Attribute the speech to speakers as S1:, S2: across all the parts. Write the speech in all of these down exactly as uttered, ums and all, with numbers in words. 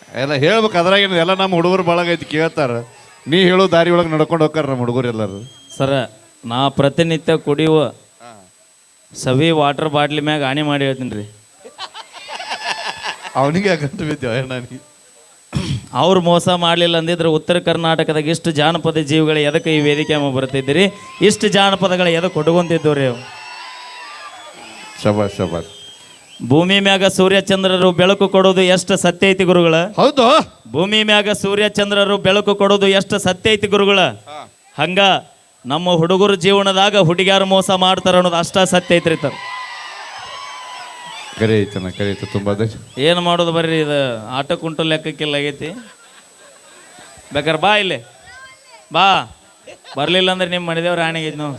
S1: ಎಲ್ಲ ಹೇಳ್ಬೇಕು ಅದ್ರಾಗೇನು ಎಲ್ಲ ನಮ್ಮ ಹುಡುಗರು ಬಳಗ ಐತಿ ಕೇಳ್ತಾರ. ನೀ ಹೇಳೋ ದಾರಿ ಒಳಗೆ ನಡ್ಕೊಂಡು ಹೋಗ್ತಾರ ನಮ್ಮ ಹುಡುಗರು ಎಲ್ಲರೂ.
S2: ಸರ ನಾ ಪ್ರತಿನಿತ್ಯ ಕುಡಿಯುವ ಸವಿ ವಾಟರ್ ಬಾಟ್ಲಿ ಮ್ಯಾಗ ಹಾನಿ ಮಾಡಿ ಹೇಳ್ತೀನಿ ರೀ.
S1: ಅವನಿಗೆ ಗಂಟು ಬಿದ್ದೇವ ನನಗೆ.
S2: ಅವ್ರು ಮೋಸ ಮಾಡಲಿಲ್ಲ ಅಂದಿದ್ರೆ ಉತ್ತರ ಕರ್ನಾಟಕದಾಗ ಇಷ್ಟು ಜಾನಪದ ಜೀವಿಗಳು ಎದಕ್ಕೆ ಈ ವೇದಿಕೆ ಬರ್ತಿದ್ದೀರಿ, ಇಷ್ಟು ಜಾನಪದಗಳು ಎದಕ್ಕೆ ಹುಡುಗೊಂತಿದ್ದವು ರೀ.
S1: ಶಬಾಷ್ ಶಬಾಷ್.
S2: ಭೂಮಿ ಮ್ಯಾಗ ಸೂರ್ಯ ಚಂದ್ರರು ಬೆಳಕು ಕೊಡೋದು ಎಷ್ಟು ಸತ್ಯ ಐತಿ ಗುರುಗಳ?
S1: ಹೌದು.
S2: ಭೂಮಿ ಮ್ಯಾಗ ಸೂರ್ಯ ಚಂದ್ರರು ಬೆಳಕು ಕೊಡೋದು ಎಷ್ಟು ಸತ್ಯ ಐತಿ ಗುರುಗಳ? ಹಂಗ ನಮ್ಮ ಹುಡುಗರ ಜೀವನದಾಗ ಹುಡುಗಿಯಾರು ಮೋಸ ಮಾಡ್ತಾರ ಅನ್ನೋದು ಅಷ್ಟ ಸತ್ಯ ಐತ್ರಿ. ತರ
S1: ಕರೆ ಐತನ ಕರೆ ಐತೆ ತುಂಬ.
S2: ಏನು ಮಾಡೋದು ಬರ್ರಿ, ಇದು ಆಟ ಕುಂಟು ಲೆಕ್ಕಕ್ಕಿಲ್ಲ ಆಗೈತಿ. ಬೇಕಾರೆ ಬಾ ಇಲ್ಲಿ ಬಾ, ಬರ್ಲಿಲ್ಲ ಅಂದ್ರೆ ನಿಮ್ಮ ಮನೆದೇವ್ರ ಆಣೆಗೈತಿ ನಾವು.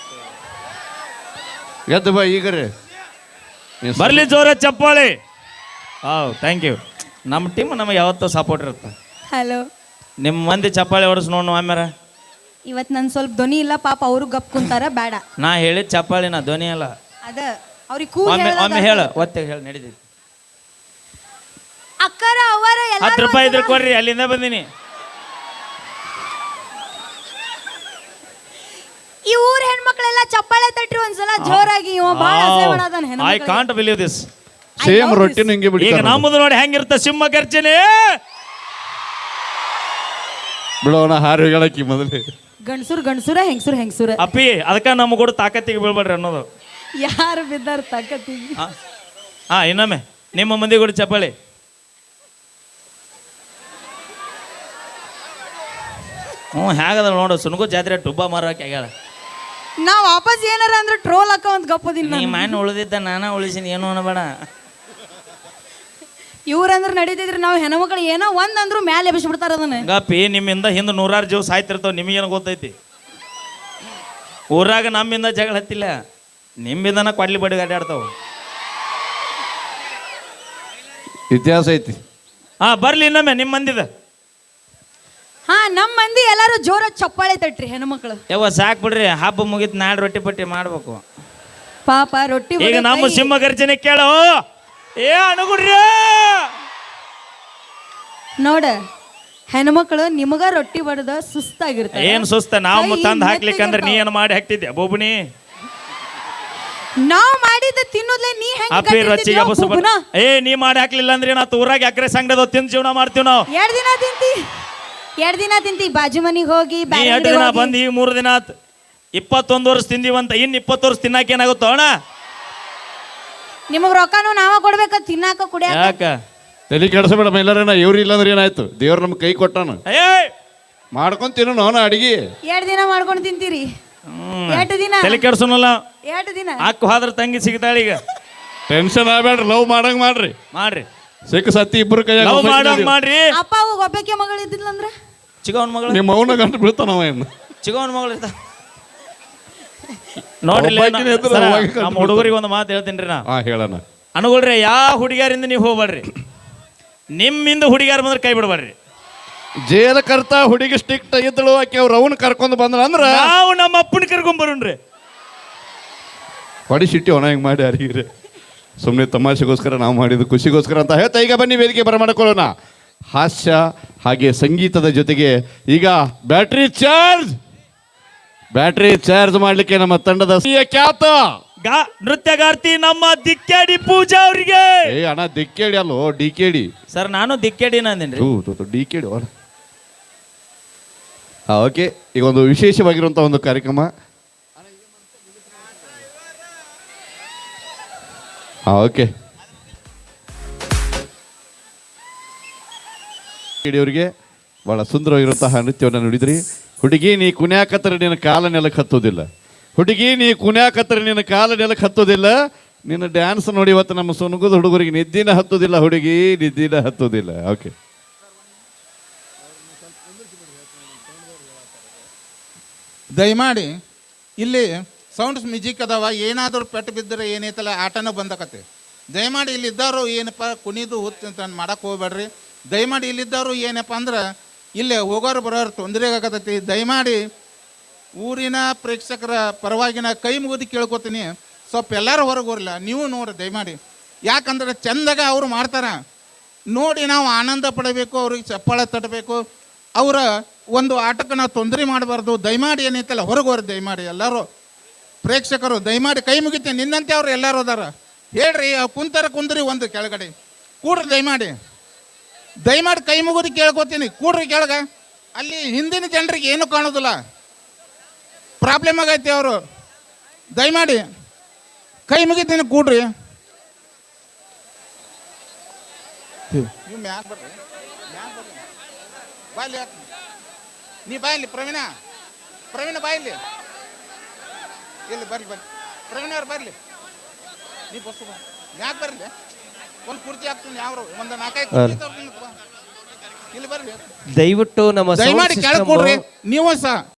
S1: ಎದ್ದು ಬಾ ಈಗ ರೀ,
S2: ಬರ್ಲಿ ಜೋರ ಚಪ್ಪಾಳಿ. ಹಾಂ ಥ್ಯಾಂಕ್ ಯು. ನಮ್ಮ ಟೀಮ್ ನಮಗೆ ಯಾವತ್ತೂ ಸಪೋರ್ಟ್ ಇರುತ್ತೆ.
S3: ಹಲೋ,
S2: ನಿಮ್ಮ ಮಂದಿ ಚಪ್ಪಾಳಿ ಹೊಡೆಸ್ ನೋಡು ಆಮ್ಯಾರ.
S3: ಇವತ್ತು ನನ್ನ ಸ್ವಲ್ಪ ಧ್ವನಿ ಇಲ್ಲ ಪಾಪ, ಅವರು ಗಪ್ ಕುಂತಾರ ಬೇಡ.
S2: ನಾ ಹೇಳಿದ ಚಪ್ಪಾಳಿ ನಾ ಧ್ವನಿ ಅಲ್ಲ.
S3: ಅದ ಅವ್ರಿಗೆ ಕೂಲ್
S2: ಒಮ್ಮೆ ಒಮ್ಮೆ ಹೇಳ ಒತ್ತೆ ಹೇಳಿ ನಡೀತೈತಿ.
S3: ಅಕ್ಕರ ಅವರ
S2: ಹತ್ತು ರೂಪಾಯಿ ಇದ್ರೆ ಕೊಡ್ರಿ, ಅಲ್ಲಿಂದ ಬಂದೀನಿ.
S3: ಈ ಊರ್ ಹೆಣ್ಮಕ್ಳೆಲ್ಲ ಚಪ್ಪಾಳೆ ತಟ್ರಿ ಒಂದ್ಸಲ ಜೋರಾಗಿ. ಇವ ಬಾಳ ಆಸೆ ಮಾಡದನ್ ಹೆಣ್ಮಕ್ಳಿಗೆ.
S2: I can't believe this.
S1: Same ರೊಟ್ಟಿನ ಹಿಂಗೆ ಬಿಡಿ.
S2: ಈಗ ನಮ್ಮದು ನೋಡಿ ಹೆಂಗಿರುತ್ತೆ ಸಿಂಹ ಗರ್ಜನೆ.
S1: ಬಿಡೋಣ ಹಾರು ಹೇಳಕ್ಕಿ ಮೊದಲೇ.
S3: ಗಂಡಸುರ್ ಗಂಡಸುರ ಹೆಂಗಸುರ್ ಹೆಂಗಸುರ.
S2: ಅಪ್ಪಿ ಅದಕ್ಕ ನಮ್ಮ ಕೂಡ ತಾಕತ್ತಿಗೆ ಬೀಳ್ಬೇಡ್ರಿ ಅನ್ನೋದು.
S3: ಯಾರು ಬಿದ್ದಾರ ತಾಕತ್ತಿಗೆ?
S2: ಹಾ ಇನ್ನೊಮ್ಮೆ ನಿಮ್ಮ ಮಂದಿ ಕೂಡ ಚಪ್ಪಾಳಿ. ಹ್ಞೂ ಹೇಗದ ನೋಡು, ಸುನಗು ಜಾತ್ರೆ ಟುಬ್ಬ ಮಾರಕ್ಕೆ ಆಗ್ಯಾಳ.
S3: ನಾ ವಾಪಸ್ ಏನಾರ ಅಂದ್ರೆ ಟ್ರೋಲ್ ಹಾಕ ಒಂದ್ ಗಪ್ಪದಿಲ್ಲ.
S2: ನೀ ಮಣ್ಣು ಉಳಿದಿದ್ದ ನಾನ ಉಳಿಸಿನಿ, ಏನು ಅನ್ನಬೇಡ.
S3: ಇವ್ರಂದ್ರೆ ನಡೀತಿದ್ರಿ, ನಾವು ಹೆಣ್ಮಕ್ಳು ಏನೋ ಒಂದ್ ಅಂದ್ರು ಮ್ಯಾಲೆ ಎಬ್ಬಿಸ್ಬಿಡ್ತಾರ ಅದನ್ನ.
S2: ಗಪ್ಪಿ ನಿಮ್ಮಿಂದ ಹಿಂದೆ ನೂರಾರು ಜೀವ ಸಾಯ್ತಿರ್ತಾವ, ನಿಮಗೇನು ಗೊತ್ತೈತಿ? ಊರಾಗ ನಮ್ಮಿಂದ ಜಗಳ ಹತ್ತಿಲ್ಲ, ನಿಮ್ಮಿಂದನ ಕೊಡ್ಲಿ ಬಡಿ ಅಡ್ಡಾಡ್ತಾವ.
S1: ಇತಿಹಾಸ ಐತಿ.
S2: ಹಾ ಬರ್ಲಿ ಇನ್ನೊಮ್ಮೆ ನಿಮ್ಮ ಮಂದಿದ.
S3: ಹಾ ನಮ್ಮ ಮಂದಿ ಎಲ್ಲಾರು ಜೋರ ಚಪ್ಪಾಳೆ ತಟ್ರಿ ಹೆಣ್ಮಕ್ಳು.
S2: ಯಾವ ಸಾಕ್ ಬಿಡ್ರಿ, ಹಬ್ಬ ಮುಗಿತ್ ನಾಳೆ ರೊಟ್ಟಿ ಪಟ್ಟಿ ಮಾಡ್ಬೇಕು.
S3: ಪಾಪ ರೊಟ್ಟಿ
S2: ಈಗ ನಮ್ಮ ಸಿಂಹ ಗರ್ಜನೆ ಕೇಳೋ ಏ ಅನುಗುಡ್ರಿ.
S3: ನೋಡ ಹೆಣ್ಮಕ್ಳು ನಿಮಗ ರೊಟ್ಟಿ ಬಡದ ಸುಸ್ತಾಗಿರ್ತಾರೆ.
S2: ಏನ್ ಸುಸ್ತ? ನಾವು ತಂದು ಹಾಕ್ಲಿಕ್ಕಂದ್ರೆ ನೀ ಏನು ಮಾಡಿ ಹಾಕ್ತಿದ್ದೆ ಬೋಬುನಿ?
S3: ನಾವ್ ಮಾಡಿದ ತಿನ್ನೋದ್ಲೆ ನೀ
S2: ಅಪ್ಪಿ ರೊಚ್ಚಿಗೆ ಬಸ್ಸು. ಏ ನೀ ಮಾಡಿ ಹಾಕ್ಲಿಲ್ಲ ಅಂದ್ರೆ ನಾ ಊರಾಗ ಅಕ್ರೆ ಸಂಗದ ತಿಂದು ಜೀವನ ಮಾಡ್ತೀವಿ ನಾವು.
S3: ಎರಡ್ ದಿನ ತಿಂತಿ ಎರಡ್ ದಿನ ತಿಂತಿ ಬಾಜು ಮನಿಗೆ ಹೋಗಿ.
S2: ಎರಡು ದಿನ ಬಂದು ಈಗ ಮೂರು ದಿನ ಆತ್. ಇಪ್ಪತ್ತೊಂದು ವರ್ಷ ತಿಂದಿವಂತ, ಇನ್ ಇಪ್ಪತ್ತು ವರ್ಷ ತಿನ್ನಾಕ ಏನಾಗುತ್ತೋ ಅಣ್ಣ?
S3: ನಿಮಗ್ ರೊಕ್ಕನು ನಾವ ಕೊಡ್ಬೇಕ ತಿನ್ನಾಕ ಕುಡಿಯಾಕ.
S2: ಯಾಕ
S1: ತಲೆ ಕೆಡಿಸಬೇಡ ಎಲ್ಲರೇನ. ಇವ್ರು ಇಲ್ಲಾಂದ್ರೆ ಏನಾಯ್ತು? ದೇವ್ರ ನಮ್ಗೆ ಕೈ ಕೊಟ್ಟಾನ,
S2: ಏ
S1: ಮಾಡ್ಕೊಂಡ್ ತಿನ್ನೋಣ ಅವನ ಅಡಿಗೆ.
S3: ಎರಡ್ ದಿನ ಮಾಡ್ಕೊಂಡು ತಿಂತೀರಿ. ಎರಡು ದಿನ
S2: ತಲೆ ಕೆಡ್ಸೋನಲ್ಲ.
S3: ಎರಡು ದಿನ
S2: ಅಕ್ಕ ಹೋದ್ರ ತಂಗಿ ಸಿಗ್ತಾಳ. ಈಗ
S1: ಟೆನ್ಷನ್ ಆಗ್ಬೇಡ್ರಿ, ಲವ್ ಮಾಡಂಗ್ ಮಾಡ್ರಿ.
S2: ಮಾಡ್ರಿ,
S1: ಸಿಕ್ಕ ಸತ್ತಿ ಇಬ್ರು ಕೈ
S2: ಲವ್ ಮಾಡಂಗ್ ಮಾಡ್ರಿ.
S3: ಅಪ್ಪ ಅವಾಗ ಒಬ್ಬಕ್ಕೆ ಮಗಳು ಇದ್ದಿಲ್ಲ ಅಂದ್ರೆ
S2: ಚಿಗವನ್ ಮಗಳು,
S1: ನಿಮ್ಮ ಅವನ ಗಂಟು ಬೀಳ್ತಾನವ ಏನು?
S2: ಚಿಗವನ್ ಮಗಳು ಇರ್ತ ನೋಡ್ರಿ. ನಮ್ಮ ಹುಡುಗರಿಗೆ ಒಂದು ಮಾತು ಹೇಳ್ತೀನಿ ನಾ.
S1: ಹಾ ಹೇಳಣ.
S2: ಅನುಗುಳ್ರಿ, ಯಾವ ಹುಡುಗಿಯರಿಂದ ನೀವು ಹೋಗ್ಬೇಡ್ರಿ, ನಿಮ್ಮಿಂದ ಹುಡುಗಿಯಾರ ಬಂದ್ರೆ ಕೈ ಬಿಡಬೇಡ್ರಿ.
S1: ಜೇಲ ಕರ್ತ ಹುಡುಗಿ ಸ್ಟಿಕ್ಟ್ ಇದ್ದಳು, ಆಕೆ ಅವ್ರು ಅವನ್ ಕರ್ಕೊಂಡು ಬಂದ್ರ ಅಂದ್ರ
S2: ನಾವು ನಮ್ಮ ಅಪ್ಪನ ಕರ್ಕೊಂಡ್ ಬರೋಣ್ರಿ.
S1: ಹೊಡಿ ಸಿಟ್ಟಿ ಒಣ ಹಿಂಗ್ ಮಾಡಿ ಯಾರಿಗ್ರಿ. ಸುಮ್ಮನೆ ತಮಾಷೆಗೋಸ್ಕರ ನಾವು ಮಾಡಿದ್ದು ಖುಷಿಗೋಸ್ಕರ ಅಂತ ಹೇಳ್ತಾ ಈಗ ಬನ್ನಿ ವೇದಿಕೆ ಬರಮಾಡಿಕೊಳ್ಳೋಣ. ಹಾಸ್ಯ ಹಾಗೆ ಸಂಗೀತದ ಜೊತೆಗೆ ಈಗ ಬ್ಯಾಟ್ರಿ ಚಾರ್ಜ್ ಬ್ಯಾಟ್ರಿ ಚಾರ್ಜ್ ಮಾಡ್ಲಿಕ್ಕೆ ನಮ್ಮ ತಂಡದ ಖ್ಯಾತ
S2: ನೃತ್ಯಗಾರ್ತಿ ನಮ್ಮ ದಿಕ್ಕೇಡಿ ಪೂಜಾ ಅವರಿಗೆ.
S1: ಏ ಅಣ್ಣ ದಿಕ್ಕೇಡಿ ಅಲ್ಲೋ, ಡಿ ಕೆ ಡಿ
S2: ಸರ್. ನಾನು ದಿಕ್ಕೇಡಿನ ಅಂದೇನ್ರಿ.
S1: D K D. ಹಾ ಓಕೆ, ಈಗ ಒಂದು ವಿಶೇಷವಾಗಿರುವಂಥ ಒಂದು ಕಾರ್ಯಕ್ರಮ. ಹಾ ಓಕೆ, ಅವರಿಗೆ ಬಹಳ ಸುಂದರವಾಗಿರುವಂತಹ ನೃತ್ಯವನ್ನು ನುಡಿದ್ರಿ. ಹುಡುಗಿ ನೀ ಕುಣ್ಯಾಕತ್ತರೆ ನಿನ್ನ ಕಾಲ ನೆಲಕ್ಕೆ ಹತ್ತೋದಿಲ್ಲ. ಹುಡುಗಿ ನೀ ಕುಣ್ಯಾಕತ್ತರೆ ನಿನ್ನ ಕಾಲ ನೆಲಕ್ಕೆ ಹತ್ತೋದಿಲ್ಲ. ನಿನ್ನ ಡ್ಯಾನ್ಸ್ ನೋಡಿ ಇವತ್ತು ನಮ್ಮ ಸುನಗುದ ಹುಡುಗರಿಗೆ ನಿದ್ದಿನ ಹತ್ತೋದಿಲ್ಲ. ಹುಡುಗಿ ನಿದ್ದಿನ ಹತ್ತೋದಿಲ್ಲ. ಓಕೆ,
S4: ದಯಮಾಡಿ ಇಲ್ಲಿ ಸೌಂಡ್ಸ್ ಮ್ಯೂಸಿಕ್ ಅದಾವ, ಏನಾದರೂ ಪೆಟ್ಟು ಬಿದ್ದರೆ ಏನೈತಲ್ಲ ಆಟನೂ ಬಂದಕತ್ತೆ. ದಯಮಾಡಿ ಇಲ್ಲಿದ್ದವರು ಏನಪ್ಪ ಕುಣಿದು ಹುತ್ತು ಅಂತ ಮಾಡಕ್ಕೆ ಹೋಗ್ಬೇಡ್ರಿ. ದಯಮಾಡಿ ಇಲ್ಲಿದ್ದವರು ಏನಪ್ಪ ಅಂದ್ರೆ ಇಲ್ಲೇ ಹೋಗೋರು ಬರೋರು ತೊಂದರೆ ಆಗತೈತಿ. ದಯಮಾಡಿ ಊರಿನ ಪ್ರೇಕ್ಷಕರ ಪರವಾಗಿನ ಕೈ ಮುಗಿದು ಕೇಳ್ಕೊತೀನಿ, ಸ್ವಲ್ಪ ಎಲ್ಲರೂ ಹೊರಗೆ ಹೋರಲ್ಲ, ನೀವು ನೋಡ್ರಿ ದಯಮಾಡಿ. ಯಾಕಂದ್ರೆ ಚಂದಾಗ ಅವ್ರು ಮಾಡ್ತಾರ, ನೋಡಿ ನಾವು ಆನಂದ ಪಡಬೇಕು, ಅವ್ರಿಗೆ ಚಪ್ಪಾಳೆ ತಟ್ಟಬೇಕು. ಅವರ ಒಂದು ಆಟಕ್ಕೆ ನಾವು ತೊಂದರೆ ಮಾಡಬಾರ್ದು. ದಯಮಾಡಿ ಏನೈತಲ್ಲ ಹೊರಗೆ ಹೊರ ದಯಮಾಡಿ ಎಲ್ಲರೂ ಪ್ರೇಕ್ಷಕರು ದಯಮಾಡಿ ಕೈ ಮುಗಿತೀನಿ. ನಿನ್ನಂತೆ ಅವ್ರು ಎಲ್ಲರೂ ಅದಾರ ಹೇಳ್ರಿ. ಕುಂತರ ಕುಂದ್ರಿ ಒಂದು ಕೆಳಗಡೆ ಕೂಡ್ರಿ ದಯಮಾಡಿ. ದಯಮಾಡಿ ಕೈ ಮುಗಿದು ಕೇಳ್ಕೊತೀನಿ, ಕೂಡ್ರಿ ಕೆಳಗ. ಅಲ್ಲಿ ಹಿಂದಿನ ಜನರಿಗೆ ಏನು ಕಾಣೋದಿಲ್ಲ, ಪ್ರಾಬ್ಲಮ್ ಆಗೈತಿ. ಅವರು ದಯಮಾಡಿ ಕೈ ಮುಗಿತೀನಿ, ಕೂಡ್ರಿ. ನೀವು ಮ್ಯಾಗ ಬರ್ರಿ, ಮ್ಯಾಗ ಬರ್ರಿ, ಬಾಯ್ಲಿ ಯಾಕೆ ನೀ ಬಾಯಲ್ಲಿ ಪ್ರವೀಣ, ಪ್ರವೀಣ ಬಾಯಲ್ಲಿ ಇಲ್ಲಿ ಬರ್ಲಿ ಬರ್ರಿ, ಪ್ರವೀಣ ಅವ್ರು ಬರ್ಲಿ. ನೀ ಬಸ್ಸು ಬಾ, ಮ್ಯಾಗ ಬರ್ಲಿ. ಒಂದು ಕುರ್ಚಿ ಹಾಕ್ತೀನಿ, ಯಾವ ಒಂದು ನಾಲ್ಕೈದು ಕುರ್ಚಿ ತರ್ತೀನಿ. ಇಲ್ಲಿ ಬರ್ಲಿ,
S5: ದಯವಿಟ್ಟು ನಮ್ಮ
S4: ದಯಮಾಡಿ ಕೆಳಗೆ ಕೊಡ್ರಿ ನೀವು ಸಹ.